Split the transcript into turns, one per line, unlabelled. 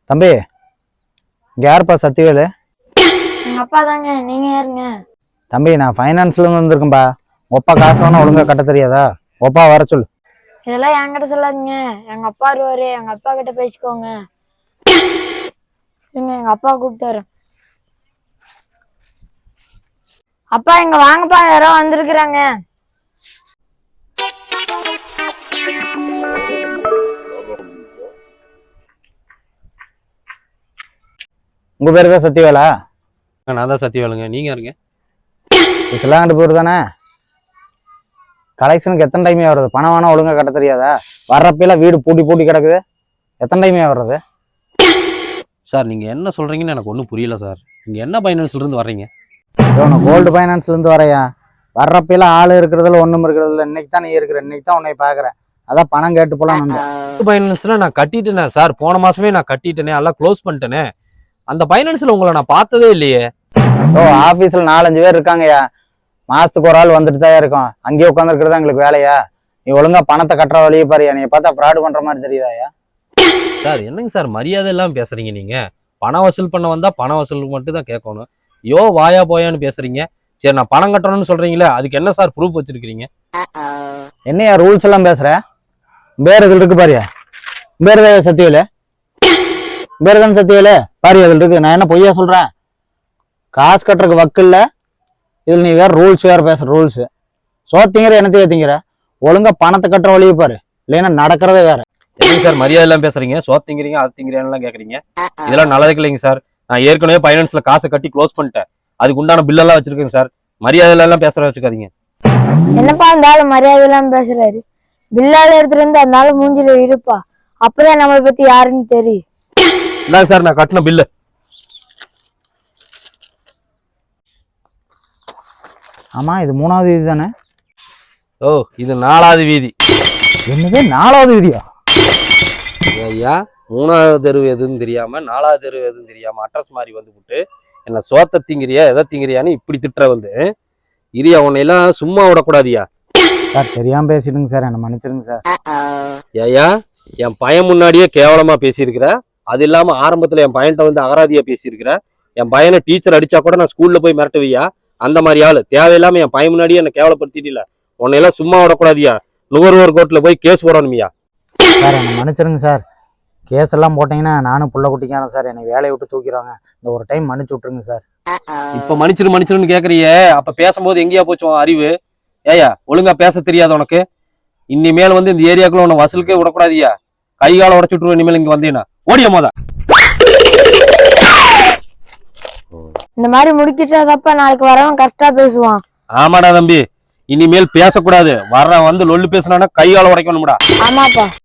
தம்பி, இங்க யாருப்பா சத்திவேலு?
எங்க அப்பா தாங்க. நீங்க யாருங்க?
தம்பி, நான் ஃபைனான்ஸ்ல இருந்து வந்திருக்கேன்பா. ஒப்பா காசு வேணா ஒழுங்கா கட்ட தெரியாதா? ஒப்பா வர சொல்லு.
இதெல்லாம் என்கிட்ட சொல்லாதீங்க. எங்க அப்பா வருவாரு, எங்க அப்பா கிட்ட பேசிக்கோங்க. எங்க அப்பா கூப்பிட்டாரு. அப்பா இங்க வாங்கப்பா, யாரோ வந்திருக்கிறாங்க.
உங்க பேரு தான் சத்திவேலா?
நான் தான் சத்தியவேலுங்க. நீங்க யாருங்க?
சிலாங்கட்டு பேர் தானே? கலெக்ஷனுக்கு எத்தனை டைமே வருது? பணம் வேணா ஒழுங்கா கட்ட தெரியாதா? வர்றப்பெல்லாம் வீடு பூட்டி பூட்டி கிடக்குது. எத்தனை டைமே வர்றது?
சார் நீங்க என்ன சொல்றீங்கன்னு எனக்கு ஒன்றும் புரியல சார். நீங்க என்ன ஃபைனான்ஸ்ல இருந்து வர்றீங்க?
கோல்டு ஃபைனான்ஸ்ல இருந்து வரையா? வர்றப்பெல்லாம் ஆள் இருக்கிறதுல ஒண்ணும் இருக்கிறதுல. இன்னைக்கு தான் நீ இருக்கிற, இன்னைக்கு தான் உன்னை பாக்குறேன். அதான் பணம் கேட்டு போலாம் வந்தேன்.
ஃபைனான்ஸ்ல நான் கட்டிட்டேனே சார். போன மாசமே நான் கட்டிட்டேனே, எல்லாம் க்ளோஸ் பண்ணிட்டேனே. அந்த ஃபைனான்ஸ்ல உங்களை நான் பார்த்ததே இல்லையே.
ஆபீஸ்ல 4-5 பேர் இருக்காங்கய்யா. மாசத்துக்கு ஒரு ஆள் வந்துட்டு தான் இருக்கும். அங்கேயே உட்காந்துருக்கிறதா எங்களுக்கு வேலையா? நீ ஒழுங்கா பணத்தை கட்டுற வழியே பாரியா. நீ பார்த்தா ஃப்ராடு பண்ற மாதிரி தெரியுதாயா?
சார் என்னங்க சார் மரியாதை எல்லாம் பேசுறீங்க நீங்க? பணம் வசூல் பண்ண வந்தா பணம் வசூல் மட்டும் தான் கேட்கணும். வாயா போயான்னு பேசுறீங்க. சரி, நான் பணம் கட்டணும்னு சொல்றீங்களே, அதுக்கு என்ன சார் ப்ரூஃப் வச்சிருக்கீங்க?
என்னையா ரூல்ஸ் எல்லாம் பேசுற? பேர் இதுல இருக்கு பாரியா. பேர் தான் சத்தியவேலு. பேர் தான் சத்தியவேலு பாரியா, இதுல இருக்கு. நான் என்ன பொய்யா சொல்றேன்? காசு கட்டுறதுக்கு வக்கில்ல. இதுல நீ வேற ரூல்ஸ் வேற பேசுற. ரூல்ஸ் சோத்திங்கிற என்னத்தையே திங்கிற. ஒழுங்கா பணத்தை கட்டுற வழியை பாரு, இல்லைன்னா நடக்கிறதே வேற.
என்னங்க சார் மரியாதை எல்லாம் பேசுறீங்க? சோத்திங்கிறீங்க அது திங்கிறீங்க கேக்குறீங்க. இதெல்லாம் நல்லதுக்கு இல்லைங்க சார். நான் ஏற்கனவே ஃபைனான்ஸ்ல காசை கட்டி க்ளோஸ் பண்ணிட்டேன். அதுக்கு உண்டான பில்லெல்லாம் வச்சிருக்கேங்க சார். மரியாதை எல்லாம் பேசுற வச்சுக்காதீங்க.
என்னப்பா அந்த ஆளு மரியாதை எல்லாம் பேசுறாரு? பில்லால எடுத்துட்டு வந்து அந்த ஆளு மூஞ்சில இருப்பா. அப்பதான் நம்மளை பத்தி யாருன்னு தெரியும்.
இந்தாங்க சார் நான் கட்டின பில்லு.
ஆமா, இது 3வது வீதி தானே?
ஓ, இது 4வது வீதி.
என்னது 4வது வீதியா?
ஐயா, 3வது தெருவு எதுன்னு தெரியாம 4வது தெருவு எதுன்னு தெரியாம அட்ரஸ் மாதிரி வந்து விட்டு என்ன சோத்த திங்கிறியா எதை திங்கிறியான்னு இப்படி திட்டுற வந்து இரியா. உன்னையெல்லாம் சும்மா விடக்கூடாதியா.
சார் தெரியாம பேசிடுங்க சார், என்ன மன்னிச்சிருங்க சார்.
ஐயா, என் பையன் முன்னாடியே கேவலமா பேசியிருக்கிற. அது இல்லாம ஆரம்பத்துல என் பையன்கிட்ட வந்து அகராதியா பேசியிருக்கிற. என் பையனை டீச்சர் அடிச்சா கூட நான் ஸ்கூல்ல போய் மிரட்டுவியா? அந்த மாதிரி ஆளு. தேவையில்லாம என் பையன் முன்னாடியே என்ன கேவலப்படுத்திட்டு. உன்னையெல்லாம் சும்மா விடக்கூடாதியா. நுகர்வோர் கோர்ட்ல போய் கேஸ் போடணுமியா.
சார் என்ன மன்னிச்சிருங்க சார். கேஸ் எல்லாம் போட்டீங்கன்னா நானும் புள்ள குட்டிக்கான சார். என்னை வேலையை விட்டு தூக்கிடுவாங்க. இந்த ஒரு டைம் மன்னிச்சு விட்டுருங்க சார்.
இப்ப மன்னிச்சிருன்னு கேக்குறியே, அப்ப பேசும்போது எங்கேயா போச்சு உன் அறிவு? ஏயா, ஒழுங்கா பேச தெரியாது உனக்கு? இனிமேல் வந்து இந்த ஏரியாக்குள்ள உன்னை வசூலுக்கே விடக்கூடாதியா. கை கால உடச்சு விட்டுருவேன் இனிமேல் இங்க வந்தீங்கன்னா. ஓடிய மோத.
இந்த மாதிரி முடிக்கிட்டாதப்பா நாளைக்கு வரவன் கரெக்டா பேசுவான்.
ஆமாடா தம்பி, இனிமேல் பேசக்கூடாது. வர்றவன் வந்து லொல்லு பேசினானா கை கால உடைக்கணும்டா.
ஆமாப்பா.